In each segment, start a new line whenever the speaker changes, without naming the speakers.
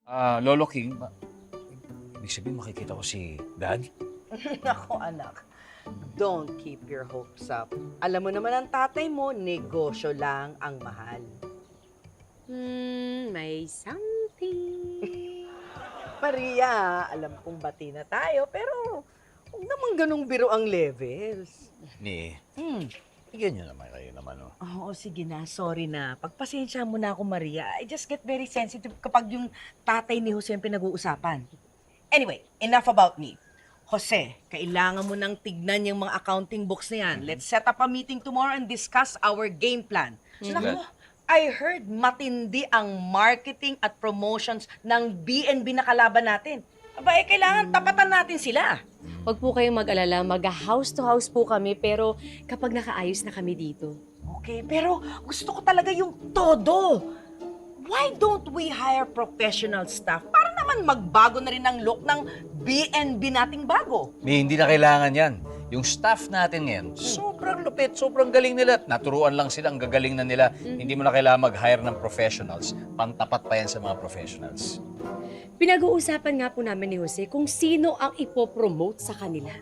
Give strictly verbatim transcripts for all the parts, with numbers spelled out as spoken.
Ah, Lolo King, ba- ibig sabihin makikita ko si Dad?
Nako anak, don't keep your hopes up. Alam mo naman ang tatay mo, negosyo lang ang mahal.
Hmm, may something.
Maria, alam kong bati na tayo, pero huwag naman ganong biro ang levels.
Ni,
Hmm.
bigyan niyo naman kayo naman, oh.
Oo, sige na. Sorry na. Pagpasensya mo na ako, Maria. I just get very sensitive kapag yung tatay ni Jose ang pinag-uusapan. Anyway, enough about me. Jose, kailangan mo nang tignan yung mga accounting books na yan. Let's set up a meeting tomorrow and discuss our game plan. Naku, I heard matindi ang marketing at promotions ng B and B na kalaban natin. Aba, eh, kailangan tapatan natin sila.
Huwag po kayong mag-alala, mag-house to house po kami, pero kapag nakaayos na kami dito.
Okay, pero gusto ko talaga yung todo. Why don't we hire professional staff para naman magbago na rin ang look ng B and B nating bago?
Ni, hindi na kailangan yan. Yung staff natin ngayon, sobrang lupit, sobrang galing nila. Naturuan lang sila, ang gagaling na nila. Hindi mo na kailangan mag-hire ng professionals. Pantapat pa yan sa mga professionals.
Pinag-uusapan nga po namin ni Jose kung sino ang ipopromote sa kanila.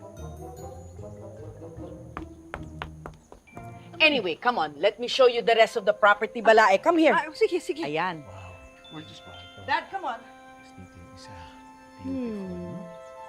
Anyway, come on. Let me show you the rest of the property, Balae. Come here. sige, sige. Ayan.
Wow. Gorgeous ba ito?
Dad, come on.
Mas dito yung isa.
Hmm.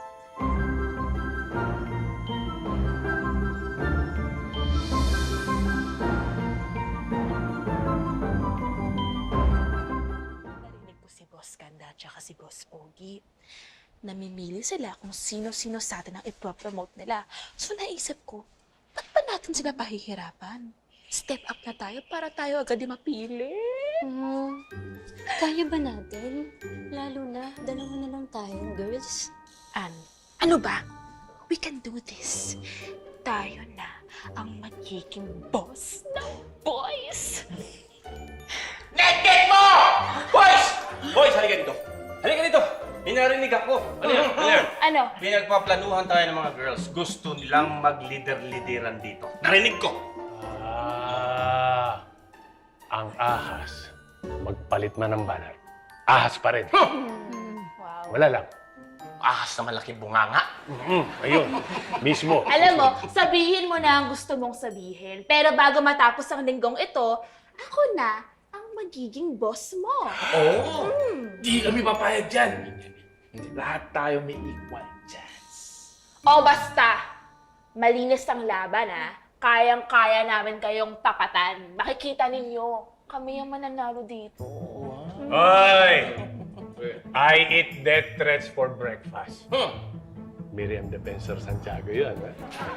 Narinig ko si Boss Ganda at saka si Boss Pogi. Namimili sila kung sino-sino sa atin ang ipropromote nila. So naisip ko, ba't ba natin sila pahihirapan? Step up na tayo para tayo agad yung mapili.
Hmm, kaya ba natin? Lalo na, dalawa na lang tayong girls.
An, ano ba? We can do this. Tayo na ang magiging boss ng boys.
Net-net mo! Boys! Boys, halika dito. Halika dito. May narinig ako. Ano yan? Ano yan?
Ano?
Pinagpaplanuhan tayo ng mga girls. Gusto nilang mag-lider-lideran dito. Narinig ko.
Ah, ang ahas. Magpalit man ng banner. Ahas pa rin.
Wow.
Wala lang.
Ahas na malaki bunganga.
Mm, ayun, mismo.
Alam mo, sabihin mo na ang gusto mong sabihin. Pero bago matapos ang linggong ito, ako na ang magiging boss mo.
Oo! Di kami papayag dyan. Lahat tayo may equal chance.
O basta, malinis ang laban ha. Kayang-kaya namin kayong tapatan. Makikita ninyo, kami ang mananalo dito.
Hoy! I eat death threats for breakfast.
Hmm.
Miriam Defensor Santiago yun, ha?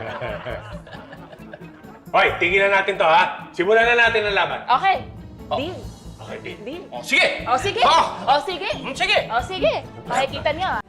Hoy, tigilan natin to, ha? Simulan na natin ang laban.
Okay, deal.
Okay, Dean.
Deal.
Oh, sige!
O sige,
Oh!
o sige,
Hmm, sige!
o sige. Makikita niyo ha.